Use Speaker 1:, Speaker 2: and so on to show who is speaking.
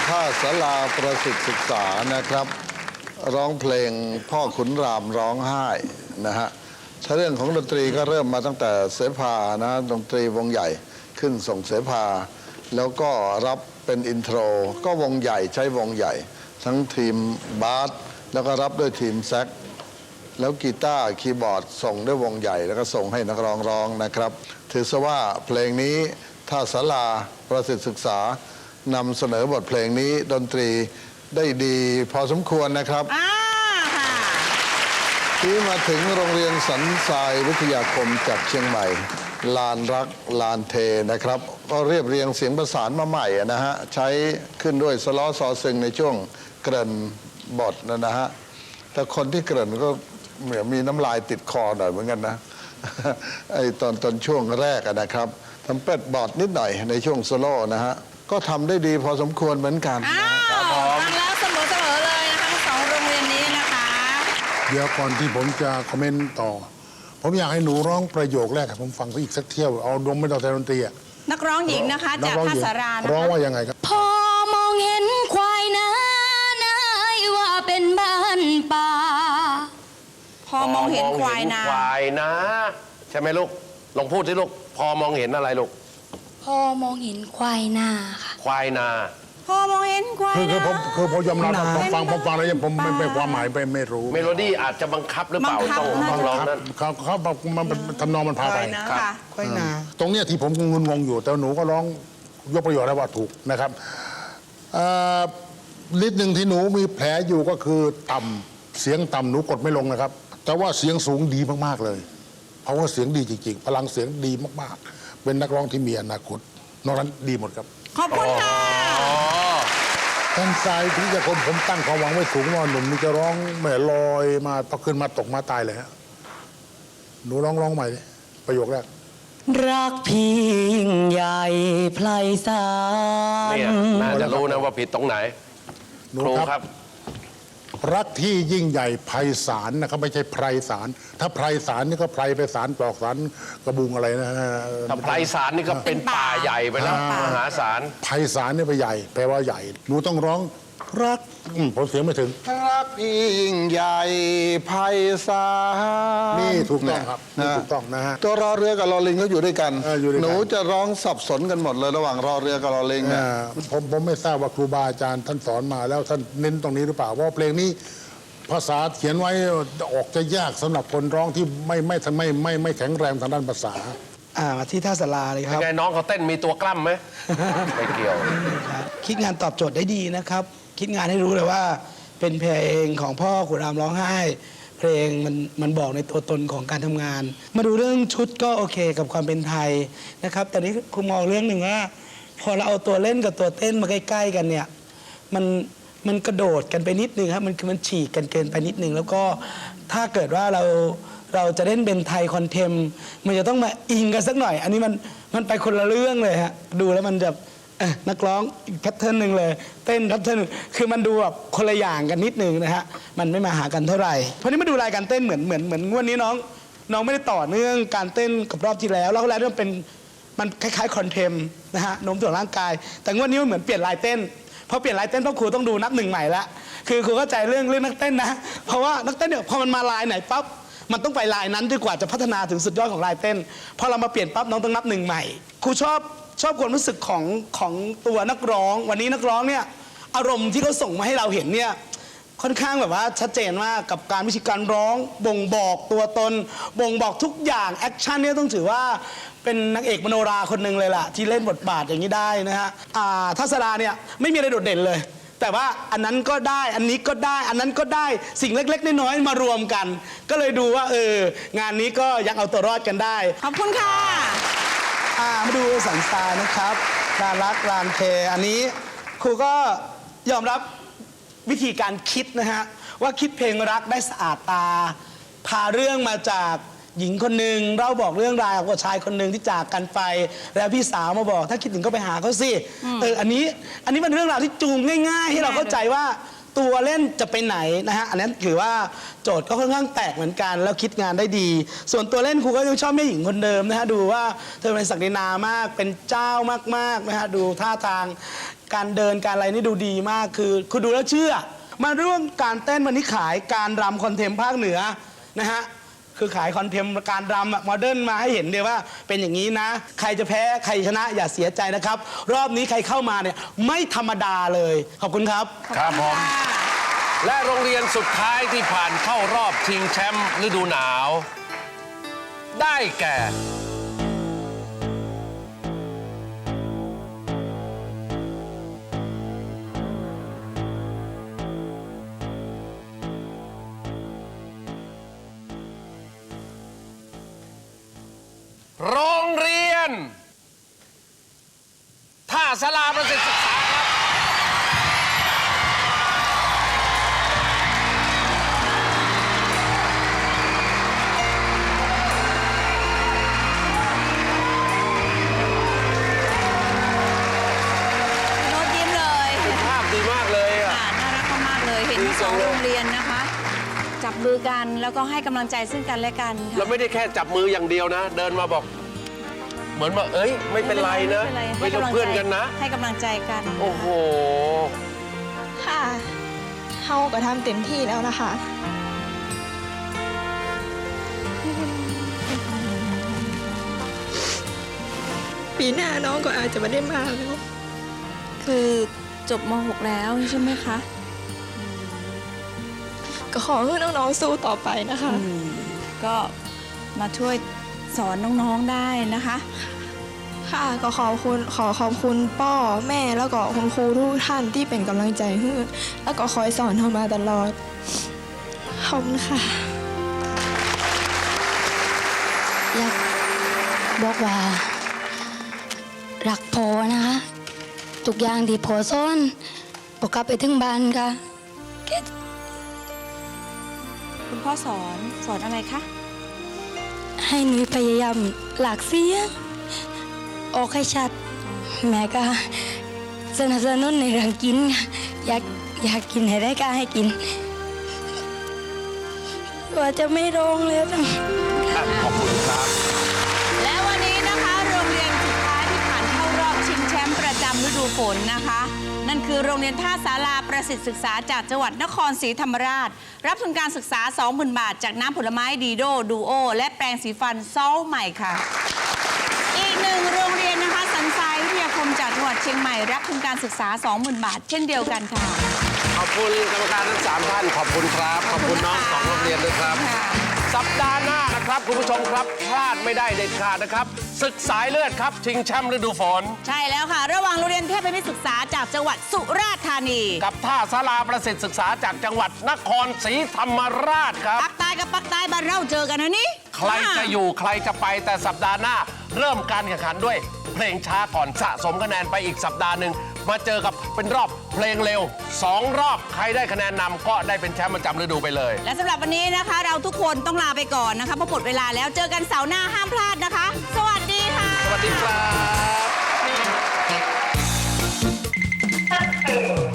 Speaker 1: ท่าศาลาประสิทธิศึกษานะครับร้องเพลงพ่อขุนรามร้องไห้นะฮะถ้าเรื่องของดนตรีก็เริ่มมาตั้งแต่เสภานะดนตรีวงใหญ่ขึ้นส่งเสภาแล้วก็รับเป็นอินโทรก็วงใหญ่ใช้วงใหญ่ทั้งทีมบาสแล้วก็รับด้วยทีมแซกแล้วกีตาร์คีย์บอร์ดส่งด้วยวงใหญ่แล้วก็ส่งให้นักร้องร้องนะครับถือซะว่าเพลงนี้ท่าศาลาประสิทธิศึกษานำเสนอบทเพลงนี้ดนตรีได้ดีพอสมควรนะครับที่มาถึงโรงเรียนสันทรายวิทยาคมจากเชียงใหม่ลานรักลานเทนะครับก็เรียบเรียงเสียงประสานมาใหม่นะฮะใช้ขึ้นด้วยสล้อซอซึงในช่วงเกริ่นบทนะฮะแต่คนที่เกริ่นก็เหมือนมีน้ำลายติดคอหน่อยเหมือนกันนะไอ้ตอนช่วงแรกนะครับทำเป็ดบอดนิดหน่อยในช่วงโซโล่นะฮะก็ทำได้ดีพอสมควรเหมือนกัน
Speaker 2: ฟังแล้วเสมอเลยนะคะสองโรงเรียนนี้นะคะ
Speaker 3: เดี๋ยวก่อนที่ผมจะคอมเมนต์ต่อผมอยากให้หนูร้องประโยคแรกผมฟังเขาอีกสักเที่ยวเอาดมไม่ต้องแต่ดนตรี
Speaker 2: นักร้องหญิงนะคะจากท่าสารา
Speaker 3: ร้องว่ายังไงครับ
Speaker 4: พอมองเห็นควายนายว่าเป็นบ้านป่า
Speaker 2: พอมองเห็นควาย
Speaker 5: นะใช่ไหมลูกลองพูดสิลูกพอมองเห็นอะไรลูก
Speaker 4: พอมองเห็นควายนาค่ะ
Speaker 5: ควายนา
Speaker 2: พอมองเห็นควาย
Speaker 3: คือผมยอมรับผมฟังแล้วยังผมไม่ความหมายไม่รู้
Speaker 5: เมโลดี้อาจจะบังคับหรือเปล่าต้องร้องนั้น
Speaker 3: เขามันทำนองมันพาไป
Speaker 2: ควายนา
Speaker 3: ตรงเนี้ยที่ผมงงอยู่แต่หนูก็ร้องยกประโยชน์ได้ว่าถูกนะครับนิดหนึ่งที่หนูมีแผลอยู่ก็คือต่ำเสียงต่ำหนูกดไม่ลงนะครับแต่ว่าเสียงสูงดีมากๆเลยเพราะว่าเสียงดีจริงๆพลังเสียงดีมากๆเป็นนักร้องที่มีอนาคตนอกนั้นดีหมดครับ
Speaker 2: ขอบคุณค่ะ
Speaker 3: ท่านทรายที่จะผมตั้งความหวังไว้สูงว่าหนุ่มนี่จะร้องแม่ลอยมาพอขึ้นมาตกมาตายเลยฮะหนูร้องใหม่ประโยคแรก
Speaker 4: รักพี่ยิ่งใหญ่ไพศาล
Speaker 5: เนี่ยน่าจะรู้นะว่าผิดตรงไหน
Speaker 3: ครูครับรักที่ยิ่งใหญ่ไพศาลนะครับไม่ใช่ไพศาลถ้าไพศาลนี่ก็ไพรไปศาลปลอกศาลกระบุงอะไรนะ
Speaker 5: ถ้าไพศาลนี่ก็เป็นป่าใหญ่ไปแล้วมหาศาล
Speaker 3: ไพศาลนี่ไปใหญ่แปลว่าใหญ่หนูต้องร้องรักผมเสียงไม่ถึง
Speaker 1: รักพี่ยิ่งใหญ่ไพศาล
Speaker 3: นี่ถูกต้องครับถูกต้องนะฮะ
Speaker 1: ตัวรอเรือกับรอลิงก็อยู่ด้วยกันหนูจะร้องสับสนกันหมดเลยระหว่างรอเรือกับรอลิงเนี่ย
Speaker 3: ผมไม่ทราบว่าครูบาอาจารย์ท่านสอนมาแล้วท่านเน้นตรงนี้หรือเปล่าเพราะเพลงนี้ภาษาเขียนไว้ออกจะยากสำหรับคนร้องที่ไม่แข็งแรงทางด้านภาษา
Speaker 6: ที่ท่าศาลาเลยครับ
Speaker 5: ไงน้องเขาเต้นมีตัวกล้ำไหมไม่เกี่ยว
Speaker 6: คิดงานตอบโจทย์ได้ดีนะครับคิดงานให้รู้เลยว่าเป็นเพลงของพ่อขุนรามร้องไห้เพลงมันบอกในตัวตนของการทำงานมาดูเรื่องชุดก็โอเคกับความเป็นไทยนะครับแต่นี้คุณมองเรื่องหนึ่งว่าพอเราเอาตัวเล่นกับตัวเต้นมาใกล้ๆกันเนี่ยมันกระโดดกันไปนิดนึงครับมันฉีกกันเกินไปนิดนึงแล้วก็ถ้าเกิดว่าเราจะเล่นเป็นไทยคอนเทมมันจะต้องมาอิงกันสักหน่อยอันนี้มันไปคนละเรื่องเลยฮะดูแล้วมันจะนักร้องอีกแพทเทิร์นหนึ่งเลยเต้นแพทเทิร์นคือมันดูแบบคนละอย่างกันนิดนึงนะฮะมันไม่มาหากันเท่าไหร่เพราะนี้มาดูรายการเต้นเหมือนงวดนี้น้องไม่ได้ต่อเนื่องการเต้นกับรอบที่แล้วแล้วมันคล้ายๆคอนเทมนะฮะโน้มถ่วงร่างกายแต่งวดนี้มันเหมือนเปลี่ยนลายเต้นพอเปลี่ยนลายเต้นพ่อครูต้องดูนับหนึ่งใหม่ละคือครูเข้าใจเรื่องนักเต้นนะเพราะว่านักเต้นเนี่ยพอมันมาลายไหนปั๊บมันต้องไปลายนั้นดีกว่าจะพัฒนาถึงสุดยอดของลายเต้นพอเรามาเปลี่ยนปั๊บน้องต้องนับหนึ่งใหม่ครูชอบความรู้สึกของตัวนักร้องวันนี้นักร้องเนี่ยอารมณ์ที่เขาส่งมาให้เราเห็นเนี่ยค่อนข้างแบบว่าชัดเจนมากกับการวิธีการร้องบ่งบอกตัวตนบ่งบอกทุกอย่างแอคชั่นเนี่ยต้องถือว่าเป็นนักเอกมโนราคนหนึ่งเลยล่ะที่เล่นบทบาทอย่างนี้ได้นะฮะทัศราเนี่ยไม่มีอะไรโดดเด่นเลยแต่ว่าอันนั้นก็ได้อันนี้ก็ได้อันนั้นก็ได้สิ่งเล็กๆน้อยๆมารวมกันก็เลยดูว่างานนี้ก็ยังเอาตัวรอดกันได้
Speaker 2: ขอบคุณค่ะ
Speaker 6: มาดูสันทรายนะครับลานรักลานเทอันนี้ครูก็ยอมรับวิธีการคิดนะฮะว่าคิดเพลงรักได้สะอาดตาพาเรื่องมาจากหญิงคนหนึ่งเราบอกเรื่องราวของชายคนหนึ่งที่จากกันไปแล้วพี่สาวมาบอกถ้าคิดถึงก็ไปหาเขาสิอันนี้เป็นเรื่องราวที่จูงง่ายๆให้เราเข้าใจว่าตัวเล่นจะไปไหนนะฮะอันนั้นถือว่าโจทย์ก็ค่อนข้างแตกเหมือนกันแล้วคิดงานได้ดี ส่วนตัวเล่นครูก็ยังชอบแม่หญิงคนเดิมนะฮะดูว่าเธอเป็นศักดินามากเป็นเจ้ามากๆนะฮะดูท่าทางการเดินการอะไรนี่ดูดีมากคือคุณดูแล้วเชื่อมาเรื่องการเต้นวันนี้ขายการรำคอนเทมภาคเหนือนะฮะคือขายคอนเทมการรำโมเดิร์นมาให้เห็นเดียวว่าเป็นอย่างนี้นะใครจะแพ้ใครชนะอย่าเสียใจนะครับรอบนี้ใครเข้ามาเนี่ยไม่ธรรมดาเลยขอบคุณครับ
Speaker 5: ครับผม และโรงเรียนสุดท้ายที่ผ่านเข้ารอบชิงแชมป์ฤดูหนาว ได้แก่ โรงเรียน ท่าสลาประสิทธิศึกษาครับ
Speaker 2: โน้ตยิ้มเลย
Speaker 5: ภาพดีมากเลยอ่ะ
Speaker 2: ค่ะน่ารักมากๆเลย เห็นทั้งสองโรงเรียนนะคะ จับมือกันแล้วก็ให้กำลังใจซึ่งกันและกันค่ะ
Speaker 5: เราไม่ได้แค่จับมืออย่างเดียวนะ เดินมาบอก เหมือนว่าเอ้ย ไม่เป็นไรนะ
Speaker 2: ไม่เป็นไร
Speaker 5: ไม่ต้องเพื่อนกันนะ
Speaker 2: ให้กำลังใจกัน
Speaker 5: โอ้โห
Speaker 7: ค่ะเฮาก็ทำเต็มที่แล้วนะคะ ปีหน้าน้องก็อาจจะไม่ได้มาแล้ว
Speaker 2: คือจบม .6 แล้วใช่ไหมคะ
Speaker 7: ก็ขอให้น้องๆสู้ต่อไปนะคะ
Speaker 2: ก็มาช่วยสอนน้องๆได้นะคะ
Speaker 7: ค่ะก็ขอบคุณพ่อแม่แล้วก็คุณครูทุกท่านที่เป็นกำลังใจให้แล้วก็คอยสอนเรามาตลอดขอบคุณค่ะ
Speaker 4: อยากบอกว่ารักพอนะคะทุกอย่างที่พอสอนพอกลับไปถึงบ้านค่ะ
Speaker 2: คุณพ่อสอนอะไรคะ
Speaker 4: ให้หนูพยายามหลากเสียงออกให้ชัด แม่ก็สนับสนุนในเรื่องกินค่ะอยากกินให้ได้ก็ให้กินว่าจะไม่ร้องแล้วนะ
Speaker 5: ขอบคุณครับ
Speaker 2: และวันนี้นะคะโรงเรียนสุดท้ายที่ผ่านเข้ารอบชิงแชมป์ประจำฤดูฝนนะคะ นั่นคือโรงเรียนท่าสาราประสิทธิศึกษาจากจังหวัดนครศรีธรรมราช รับทุนการศึกษา 20,000 บาท จากน้ำผลไม้ดีโดดูโอและแปรงสีฟันซอลใหม่ค่ะ อีกหนึ่งโรงเรียนนะคะสันทรายวิทยาคมจากจังหวัดเชียงใหม่รับทุนการศึกษา 20,000 บาท เช่นเดียวกันค่ะ
Speaker 5: ขอบคุณกรรมการทั้ง3ท่าน ขอบคุณครับ ขอบคุณน้อง2โรงเรียนด้วยครับ
Speaker 2: ค่ะ
Speaker 5: สัปดาห์หน้านะครับคุณผู้ชมครับ พลาดไม่ได้เด็ดขาดนะครับ ศึกสายเลือดครับ ชิงแชมป์ฤดูฝน
Speaker 2: ใช่แล้วค่ะ ระหว่างโรงเรียนเทพมิตรศึกษาจากจังหวัดสุราษฎร์ธานี
Speaker 5: กับท่าสาราประสิทธิศึกษาจากจังหวัดนครศรีธรรมราชครับ
Speaker 2: ปักใต้กับปักใต้บ้านเราเจอกันนะนี่
Speaker 5: ใครจะอยู่ใครจะไปแต่สัปดาห์หน้า เริ่มการแข่งขันด้วย เพลงช้าก่อนสะสมคะแนนไปอีกสัปดาห์หนึ่งมาเจอกับเป็นรอบเพลงเร็ว 2 รอบใครได้คะแนนนำก็ได้เป็นแชมป์ประจำฤดูไปเลย
Speaker 2: และสำหรับวันนี้นะคะ เราทุกคนต้องลาไปก่อนนะคะเพราะหมดเวลาแล้วเจอกันเสาร์หน้าห้ามพลาดนะคะ สวัสดีค่ะ
Speaker 5: สวัสดีครับ